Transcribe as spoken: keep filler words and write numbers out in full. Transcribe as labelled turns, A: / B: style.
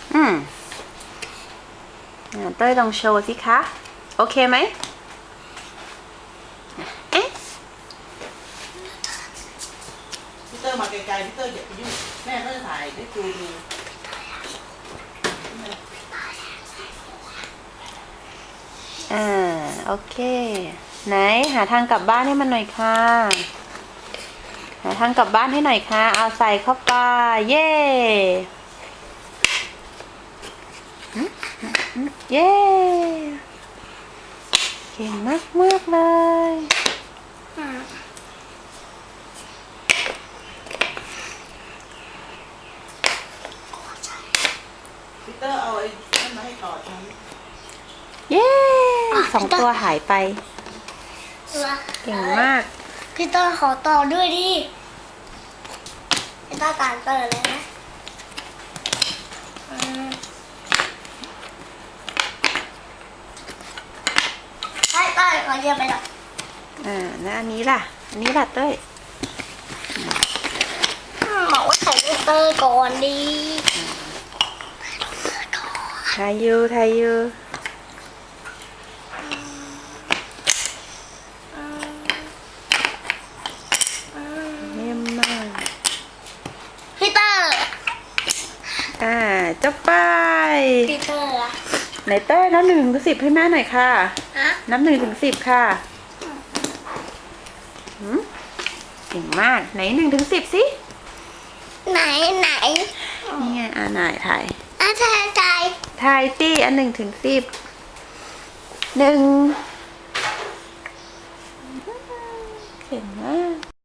A: อืมเต้ยลองโชว์สิคะโอเคไหมเอ๊ะ
B: พี่เตอร์มาไกลๆพี่เตอร์อย่าไปยุ่งแม่ก็จะถ่ายให้ดูดู
A: อ่าโอเคไหนหาทางกลับบ้านให้มันหน่อยค่ะหาทางกลับบ้านให้หน่อยค่ะเอาใส่เข้าไปเย้เย้เก่งมากมากเลย
B: พี่เตอร์เอาไอ้นั่นมาให้ต่อฉัน
A: เย้สองตัวหายไปเก่งมาก
C: พี่เตอร์ขอต่อด้วยดิพี่เตอร์การเตอร์เลยนะใช่เต้ยขอเยี่ยมไปหน่อย
A: อ่าแล้วอันนี้ล่ะอันนี้ล่ะเต้ย
C: บอกว่าใส่ลูกเตอร์ก่อนดี
A: ทายยูทายยูเยี่ยมมาก
C: พี่เตอร์
A: อ่าจบไป
C: พี่เตอร์อะ
A: ไหนเต้ยนับหนึ่งถึงสิบให้แม่หน่อยค่ะ
C: ฮะ
A: นับหนึ่งถึงสิบค่ะหืมเก่งมากไหนหนึ่งถึงสิบสิ
C: ไหนไหน
A: นี่ไงอ่าไหนถ่าย
C: อ่ะถ่ายถ่าย
A: ถ่ายตี้อันหนึ่งถึงสิบหนึ่งเก่งมาก